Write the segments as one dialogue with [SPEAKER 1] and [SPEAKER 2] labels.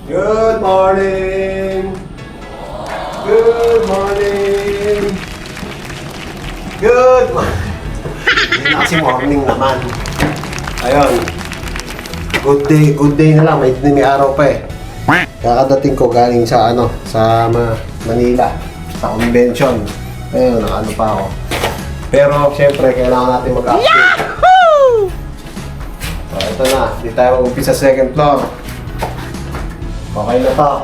[SPEAKER 1] Good morning! Good morning! Good morning! Hindi na kasi morning naman. Ayun. Good day na lang. May araw pa eh. Kakadating ko galing sa sa Manila. Sa convention. Ayun, pa ako. Pero syempre, kailangan natin mag-update. Yahoo! So, ito na. Di tayo mag-umpisa sa second floor. Okay na to.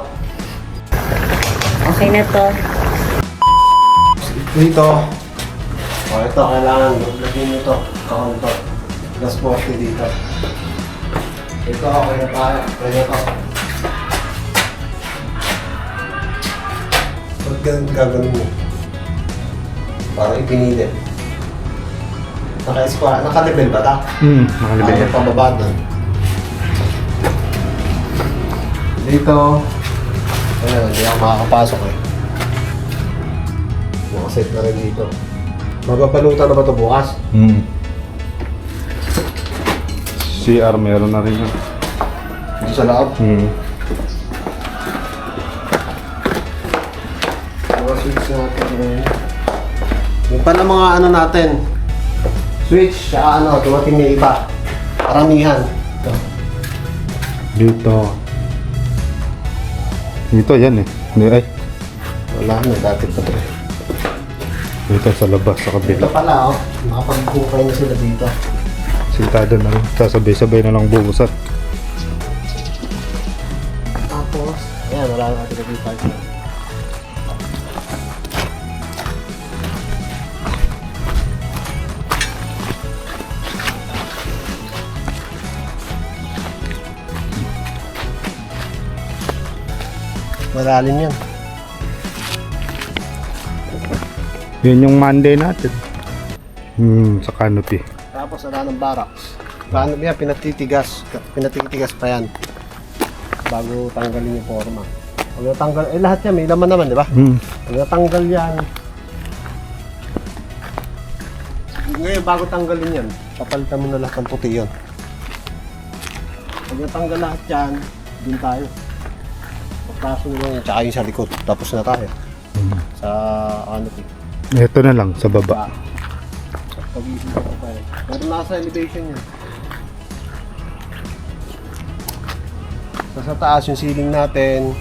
[SPEAKER 2] Okay na to.
[SPEAKER 1] Dito. O, ito. Kailangan. Lagyan nyo ito. Kahon to. Gas poste dito. Ito. Okay na tayo. Okay na to. Ba't ganun gagawin mo? Parang ipinili. Naka-level ba ta?
[SPEAKER 3] Nakalibig
[SPEAKER 1] Ayaw
[SPEAKER 3] yan.
[SPEAKER 1] pababa doon. Dito. Ayan, hindi ako makakapasok eh. Nakaset na rin dito. Mababalutan na ba ito bukas?
[SPEAKER 3] CR meron na rin yun.
[SPEAKER 1] Dito sa loob? Mga switch natin ngayon. Yung pala mga natin. Switch, dumating na iba. Karamihan. Ito.
[SPEAKER 3] Dito yan eh. Ay,
[SPEAKER 1] Wala na, dati pa ito.
[SPEAKER 3] dito sa labas, sa
[SPEAKER 1] Ito
[SPEAKER 3] kabila.
[SPEAKER 1] pala nakapag-bukay na sila dito.
[SPEAKER 3] Sintado na lang. Sasabay-sabay na lang bubusan.
[SPEAKER 1] Tapos, ayan, wala na natin nag-park. Malalim yan.
[SPEAKER 3] Yun yung Monday natin. Sa canopy.
[SPEAKER 1] Tapos wala ng barracks. Paano yan? Pinatitigas pa yan. Bago tanggalin yung forma. Pag natanggal, lahat yan may laman naman, di ba? Pag natanggal yan, ngayon bago tanggalin yan, papalitan mo na lahat ng puti yun. Pag natanggal lahat yan, dun tayo. Pagkaso nyo lang, tsaka yung sa likod. Tapos na tayo. Sa canopy.
[SPEAKER 3] Ito na lang, sa baba.
[SPEAKER 1] Pag-isip ko pa yan. Pero nasa elevation yun. So, sa taas yung ceiling natin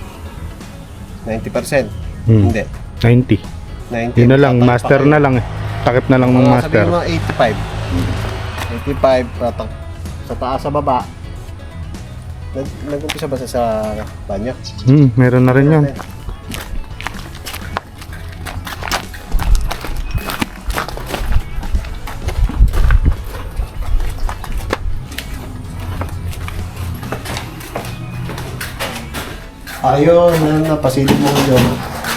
[SPEAKER 1] 90%. Hindi.
[SPEAKER 3] 90.
[SPEAKER 1] 90.
[SPEAKER 3] Yun na lang, master na lang eh. Takip na lang ng master.
[SPEAKER 1] Sabihin mo 85. 85 patak. Sa taas sa baba. Nag-umpisa ba sa banyo?
[SPEAKER 3] Meron na rin yan.
[SPEAKER 1] Ayun, napasilip mo ko yun.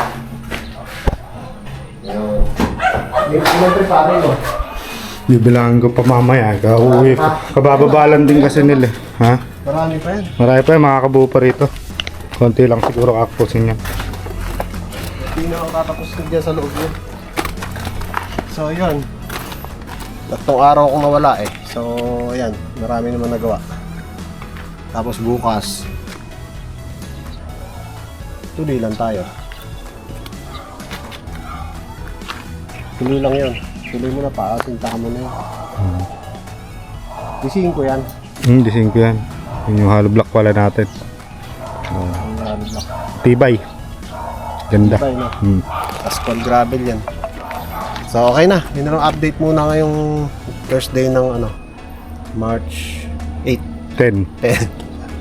[SPEAKER 1] Ayun. Ilang prepare mo?
[SPEAKER 3] Bibilangan ko pa mamaya. Kauwi ko. Kabababalan din kasi nila eh. Ha?
[SPEAKER 1] Marami pa yan.
[SPEAKER 3] Marami pa yung makakabuo pa rito. Konti lang siguro kakusin yan.
[SPEAKER 1] Hindi na ako tatapos dyan sa loob yun. So yun. Tatlong araw akong nawala eh. So ayan, marami naman nagawa. Tapos bukas, tuloy lang tayo. Tuloy lang yun. Tuloy mo na pa, sintahan mo na yun. Disihin ko yan.
[SPEAKER 3] Dising ko yan. Yun yung hollow block pala natin.
[SPEAKER 1] Ang block.
[SPEAKER 3] Tibay. Ganda.
[SPEAKER 1] Tibay na. Asphalt gravel yan. So okay na. Yun na lang update muna ngayong first day ng March 8.
[SPEAKER 3] 10.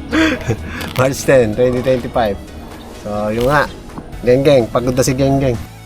[SPEAKER 1] 10. March 10, 2025. So yun nga. Geng geng. Pagod na si geng geng.